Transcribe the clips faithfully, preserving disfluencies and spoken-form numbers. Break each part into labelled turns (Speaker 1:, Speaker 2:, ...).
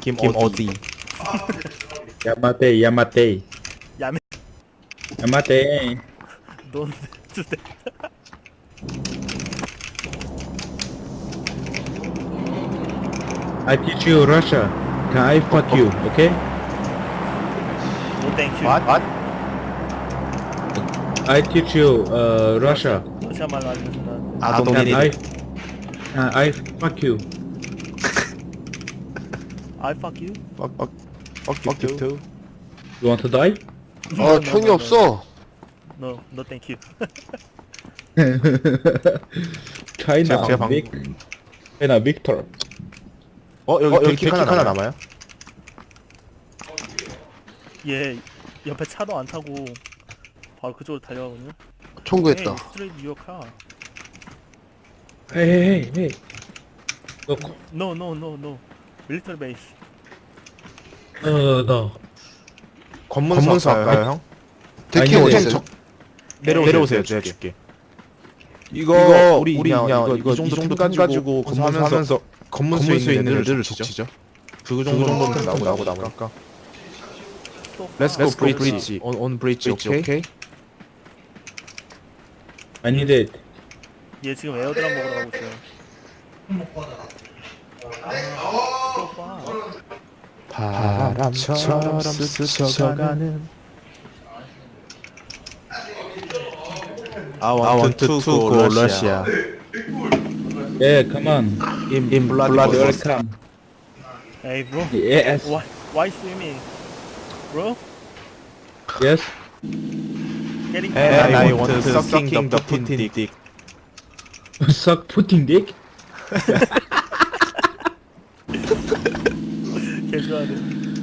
Speaker 1: 김 어디?
Speaker 2: 야마테 야마테
Speaker 3: 야매
Speaker 2: 야마테
Speaker 3: 넌 주대.
Speaker 2: I teach you Russia. Can I fuck you? Okay?
Speaker 3: 노 땡큐.
Speaker 1: What? What?
Speaker 2: I teach you uh Russia.
Speaker 3: 러시아 말로 알려준다.
Speaker 1: I don't
Speaker 2: Can
Speaker 1: need
Speaker 2: I?
Speaker 1: it.
Speaker 2: Can I fuck you?
Speaker 3: I fuck you.
Speaker 1: Fuck, fuck, fuck you too.
Speaker 2: You want to die?
Speaker 4: 아 총이 없어.
Speaker 3: No, no thank you.
Speaker 2: China.
Speaker 1: 제가- 제가 방-
Speaker 2: Vic. China Victor.
Speaker 1: 어 여기, 어, 여기 킥 하나, 하나 남아요?
Speaker 3: 얘 옆에 차도 안 타고 바로 그쪽으로 달려가거든요.
Speaker 4: 총구했다.
Speaker 3: Hey, straight your car.
Speaker 2: Hey hey hey hey. Look.
Speaker 3: No, no, no, no. Military base.
Speaker 2: Uh no.
Speaker 1: 검문소, 검문소 할까요, 형?
Speaker 4: 데키
Speaker 2: 아니,
Speaker 4: 어디
Speaker 2: 근데
Speaker 4: 있어요?
Speaker 1: 내려오세요, 내려오세요. 내가 줄게. 이거,
Speaker 5: 이거
Speaker 1: 우리
Speaker 5: 우리
Speaker 1: 그냥
Speaker 5: 그냥
Speaker 1: 이거,
Speaker 5: 이거
Speaker 1: 이 정도
Speaker 5: 이 정도
Speaker 1: 템 가지고
Speaker 5: 검사하면서
Speaker 1: 검문소하면서 검문소에
Speaker 5: 검문소에
Speaker 1: 있는
Speaker 5: 있는
Speaker 1: 애들을
Speaker 5: 애들을
Speaker 1: 족치죠.
Speaker 5: 그
Speaker 1: 그
Speaker 5: 정도는
Speaker 1: 정도는 나오고
Speaker 5: 나오고
Speaker 1: 나오고
Speaker 5: 나오고
Speaker 1: 나오니까.
Speaker 3: So
Speaker 1: Let's
Speaker 3: far.
Speaker 1: go bridge. On on bridge, okay? okay?
Speaker 2: I need it.
Speaker 3: 얘 지금 에어드랍 먹으러 가고 있어요. So far.
Speaker 1: 바람처럼 스쳐가는 I want to go Russia.
Speaker 2: Yeah, come on.
Speaker 1: In, in blood,
Speaker 2: Welcome.
Speaker 3: Hey bro.
Speaker 2: Yes.
Speaker 3: Why why swimming? Bro?
Speaker 2: Yes.
Speaker 3: Getting
Speaker 1: And
Speaker 3: tired.
Speaker 1: I want to sucking the Putin dick.
Speaker 2: Suck Putin dick.
Speaker 3: 개 좋아하네.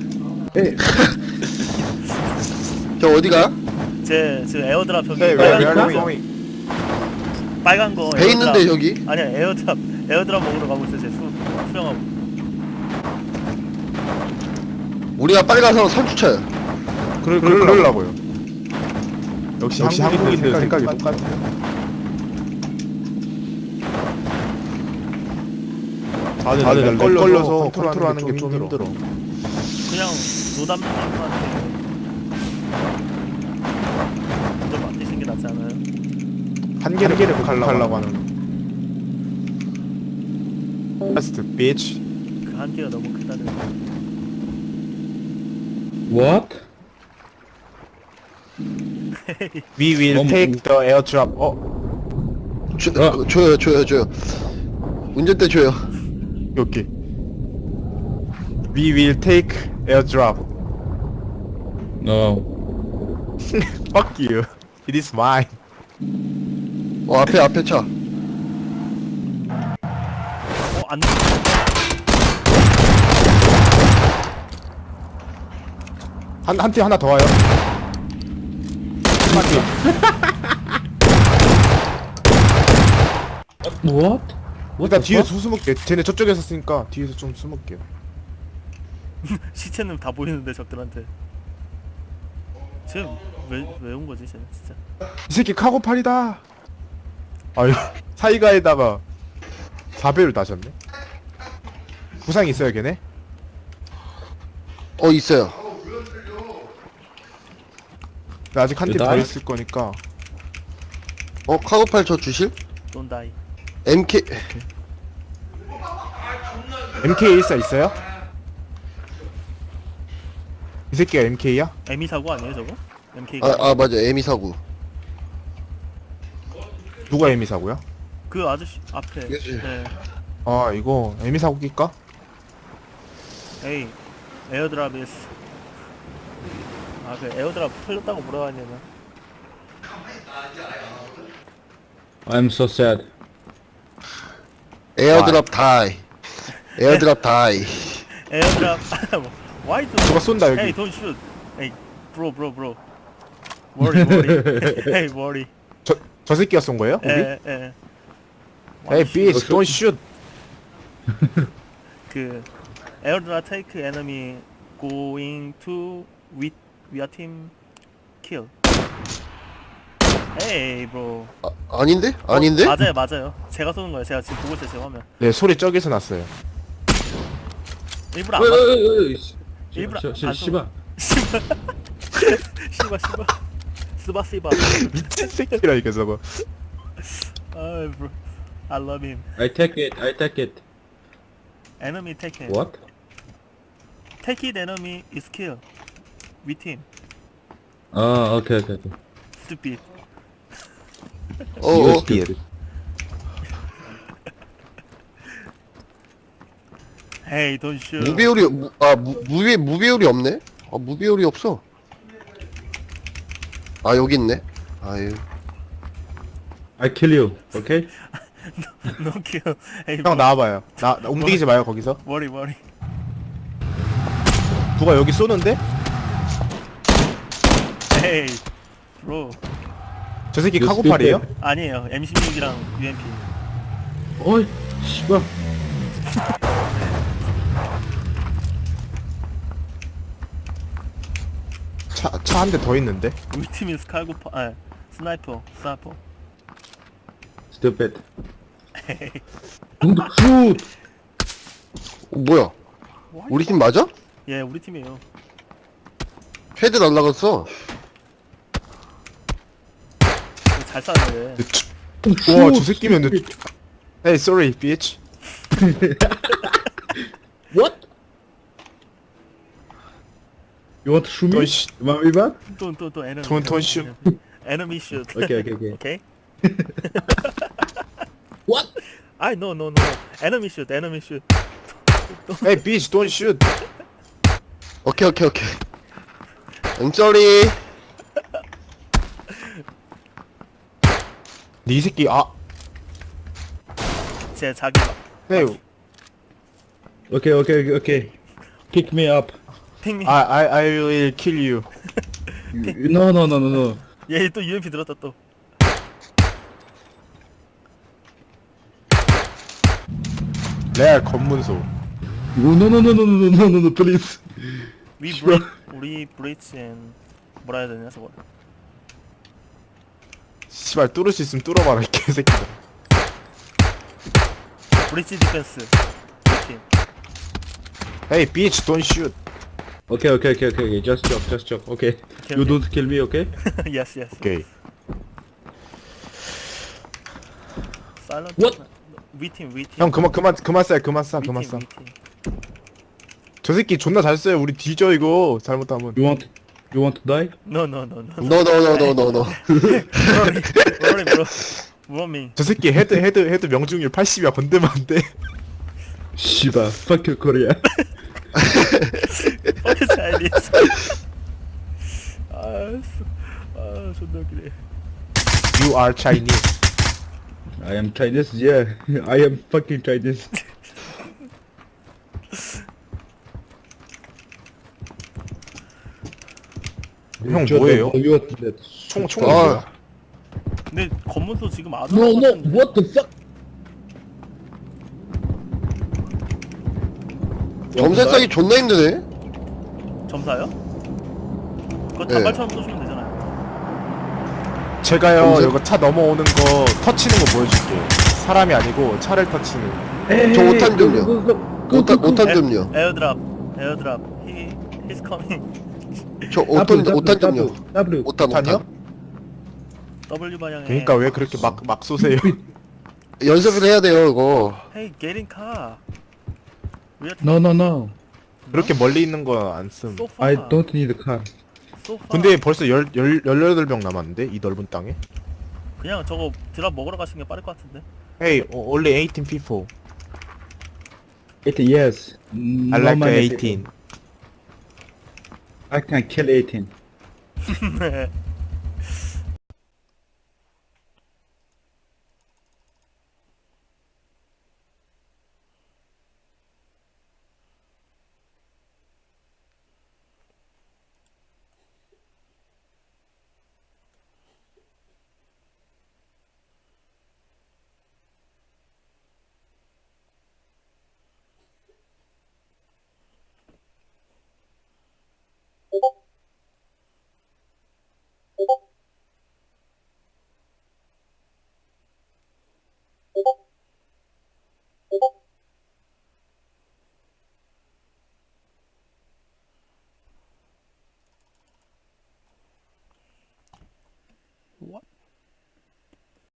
Speaker 4: 저 어디가?
Speaker 3: 제 지금 에어드랍 저기
Speaker 1: Hey,
Speaker 3: 빨간
Speaker 1: where, where
Speaker 3: 거
Speaker 1: are you
Speaker 3: 있어요.
Speaker 1: going?
Speaker 3: 빨간 거
Speaker 4: 배
Speaker 3: 에어드랍.
Speaker 4: 있는데 여기?
Speaker 3: 아니야 에어드랍 에어드랍 먹으러 가고 있어. 제 수, 수영하고.
Speaker 4: 우리가 빨리 가서 선주차야.
Speaker 1: 그러, 그러려고요. 역시, 역시 한국인들 생각이 똑같아요. 다들, 다들 렉 걸려서, 걸려서 컨트롤하는 게 좀 힘들어.
Speaker 3: 그냥 노담님한테 좀 맡기신 게 낫지 않아요?
Speaker 1: 한 개를, 한 개를 극복하려고 하는. Just bitch.
Speaker 3: 그 한계가 너무 크다는.
Speaker 2: What?
Speaker 1: We will
Speaker 2: 너무-
Speaker 1: take the airdrop. 어?
Speaker 4: 줘,
Speaker 2: 어.
Speaker 4: 줘요 줘요 줘요. 운전대 줘요.
Speaker 1: 여기. We will take airdrop.
Speaker 2: No.
Speaker 1: Fuck you. It is mine.
Speaker 4: 어 앞에 앞에 차.
Speaker 3: 어 안.
Speaker 1: 한, 한 팀 하나 더 와요.
Speaker 2: What?
Speaker 1: 일단 뒤에서 숨을게. 쟤네 저쪽에서 쓰니까 뒤에서 좀 숨을게요.
Speaker 3: 시체는 다 보이는데 적들한테. 지금 왜왜 온 거지 쟤는 진짜.
Speaker 1: 이 새끼 카고팔이다. 아유 사이가에다가 사 배율 다셨네. 부상 있어요 걔네?
Speaker 4: 어 있어요.
Speaker 1: 나 아직 한 팀 더
Speaker 2: 여덟?
Speaker 1: 있을 거니까.
Speaker 4: 어 카고팔 저 주실?
Speaker 3: Don't die.
Speaker 4: 엠케이
Speaker 1: 엠케이 일사 있어요? 이 새끼가 엠케이야?
Speaker 3: 에미 사고 아니에요 저거? 엠케이가.
Speaker 4: 아, 아 맞아 에미 사구.
Speaker 1: 누가 에미 사고야?
Speaker 3: 그 아저씨 앞에.
Speaker 4: 그치.
Speaker 3: 네.
Speaker 1: 아 이거 에미 사고 낄까?
Speaker 3: 에이 에어드랍 is. 아그 에어드랍 털렸다고 뭐라 하냐면.
Speaker 2: I'm so sad.
Speaker 4: 에어드랍 다이. 에어드랍 다이.
Speaker 3: 에어드랍. Why do?
Speaker 1: 누가 쏜다 여기.
Speaker 3: Hey, don't shoot. Hey, bro, bro, bro. Worry, worry. Hey, worry.
Speaker 1: 저, 저 새끼가 쏜 거예요? 거기?
Speaker 3: 에, 에.
Speaker 1: Hey bitch don't shoot.
Speaker 3: 그 에어드랍 take enemy going to with we are team kill. Hey, bro.
Speaker 4: 아, 아닌데? 아닌데?
Speaker 3: 어, 맞아요, 맞아요. 제가 쏘는 거예요. 제가 지금 보고 있어요, 제 화면.
Speaker 1: 네 소리 저기서 났어요.
Speaker 3: 일부러 안
Speaker 2: 어이,
Speaker 3: 봤어.
Speaker 2: 어이, 어이, 씨.
Speaker 3: 일부러
Speaker 2: 씨, 씨,
Speaker 3: 안
Speaker 2: 씨발.
Speaker 3: 씨바 씨바 씨바 스바 씨바.
Speaker 1: 미친 새끼라니까 저거.
Speaker 3: 아 bro, I love him.
Speaker 2: I take it, I take it.
Speaker 3: Enemy take him.
Speaker 2: What?
Speaker 3: Take it enemy is kill. With him.
Speaker 2: 아, 오케이, 오케이, 오케이.
Speaker 3: Stupid.
Speaker 4: 어,
Speaker 2: You
Speaker 4: 어.
Speaker 2: stupid.
Speaker 3: Hey, don't shoot.
Speaker 4: 무배율이 무, 아 무, 무배 무배율이 없네. 아 무배율이 없어. 아 여기 있네. 아유.
Speaker 2: I kill you, okay?
Speaker 3: No kill. Hey,
Speaker 1: 형
Speaker 3: bro.
Speaker 1: 나와봐요. 나, 나 움직이지 마요 거기서.
Speaker 3: Worry, worry.
Speaker 1: 누가 여기 쏘는데?
Speaker 3: Hey, bro.
Speaker 1: 저 새끼
Speaker 2: You
Speaker 1: 카고팔이에요?
Speaker 2: stupid.
Speaker 3: 아니에요. 엠 십육이랑 유엠피.
Speaker 2: 어이, 씨발.
Speaker 1: 차 차 한 대 더 있는데?
Speaker 3: 우리 팀이 스칼고파, 아, 스나이퍼, 스나이퍼.
Speaker 2: Stupid. Don't shoot!
Speaker 4: 어, 뭐야? 우리 팀 맞아?
Speaker 3: 예, 우리 팀이에요.
Speaker 4: 헤드 날라갔어.
Speaker 3: 이거 잘 쐈네.
Speaker 1: 우와 저 새끼면 내... Hey sorry bitch.
Speaker 2: What? You want to shoot me?
Speaker 1: Don't sh-
Speaker 2: You want me back?
Speaker 3: 또, 또, 또, 에너미.
Speaker 1: Don't- don't shoot.
Speaker 3: 에너미 슛.
Speaker 2: Okay, okay, okay.
Speaker 3: 오케이?
Speaker 2: What?
Speaker 3: 아이, no, no, no. 에너미 슛, 에너미 슛.
Speaker 1: Hey bitch don't shoot.
Speaker 4: 오케이 오케이 오케이. I'm sorry.
Speaker 1: 네 새끼 아.
Speaker 3: 제 자기 막.
Speaker 1: Hey
Speaker 2: Okay, okay, okay, okay. Pick me up.
Speaker 3: 핑미.
Speaker 1: I I I will kill you.
Speaker 2: You- No, no, no, no, no.
Speaker 3: 얘 또 유엠피 들었다 또.
Speaker 1: 레알 검문소.
Speaker 2: No, no, no, no, no, no, no, no, no, please.
Speaker 3: We break, 우리 breach and 뭐라 해야 되냐 저거.
Speaker 1: 씨발 뚫을 수 있으면 뚫어봐라 이 개새끼들.
Speaker 3: 브리치 디펜스. 팀.
Speaker 1: Hey bitch don't shoot.
Speaker 2: Okay, okay, okay, okay, okay. Just joke, just joke. Okay.
Speaker 3: Okay,
Speaker 2: You
Speaker 3: okay.
Speaker 2: don't kill me, okay?
Speaker 3: yes, yes.
Speaker 1: 오케이.
Speaker 3: Silent.
Speaker 2: What?
Speaker 3: We team, we team.
Speaker 1: 형 그만 그만 그만 쏴 그만 쏴
Speaker 3: we
Speaker 1: 그만
Speaker 3: team,
Speaker 1: 쏴.
Speaker 3: we team.
Speaker 1: 저 새끼 존나 잘 쏴요. 우리 뒤져 이거 잘못하면.
Speaker 2: You want, you want to die?
Speaker 3: No, no, no, no.
Speaker 4: No no no no no no.
Speaker 3: Rory, Rory, bro. Roaming.
Speaker 1: 저 새끼 헤드 헤드 헤드 명중률 팔십이야. 건들면 안 돼.
Speaker 2: Shiba, fuck you, Korea.
Speaker 3: Fuck Chinese. 아, 수- 아, 존나 웃기네.
Speaker 1: You are Chinese.
Speaker 2: I am Chinese, yeah. I am fucking Chinese.
Speaker 1: 형 뭐예요?
Speaker 2: You want that?
Speaker 1: 총 총.
Speaker 4: 아.
Speaker 1: 뭐야?
Speaker 3: 근데 검문소 지금 아주
Speaker 2: No, no, what the fuck?
Speaker 4: 점사 싸기 존나 힘드네.
Speaker 3: 점사요? 그거
Speaker 4: 네.
Speaker 3: 단발처럼 쏘시면 되잖아요.
Speaker 1: 제가요
Speaker 4: 검색?
Speaker 1: 이거 차 넘어오는 거 터치는 거 보여줄게요. 사람이 아니고 차를 터치는.
Speaker 4: 저 오탄 좀요.
Speaker 2: go, go, go,
Speaker 4: 오탄
Speaker 2: go, go.
Speaker 4: 오탄 좀요.
Speaker 3: 에어드랍, 에어드랍. He, he's coming.
Speaker 4: 저
Speaker 2: W,
Speaker 4: 오탄
Speaker 2: W,
Speaker 4: 오탄 좀요.
Speaker 2: W, W.
Speaker 4: 오탄
Speaker 1: 오탄이요?
Speaker 4: 오탄.
Speaker 3: W 방향에.
Speaker 1: 그러니까 왜 그렇게 막 막 쏘세요?
Speaker 4: 연습을 해야 돼요 이거.
Speaker 3: Hey, get in car. We are
Speaker 2: No, no, no.
Speaker 1: 그렇게 멀리 있는 거 안 씀.
Speaker 3: so far.
Speaker 2: I don't need a car.
Speaker 3: So far.
Speaker 1: 근데 벌써 열, 열, 열여덟 병 남았는데 이 넓은 땅에?
Speaker 3: 그냥 저거 드랍 먹으러 가시는 게 빠를 것 같은데.
Speaker 1: Hey, only eighteen people.
Speaker 2: It, yes. No
Speaker 1: I like
Speaker 2: many
Speaker 1: eighteen.
Speaker 2: people. I can kill eighteen.
Speaker 3: What?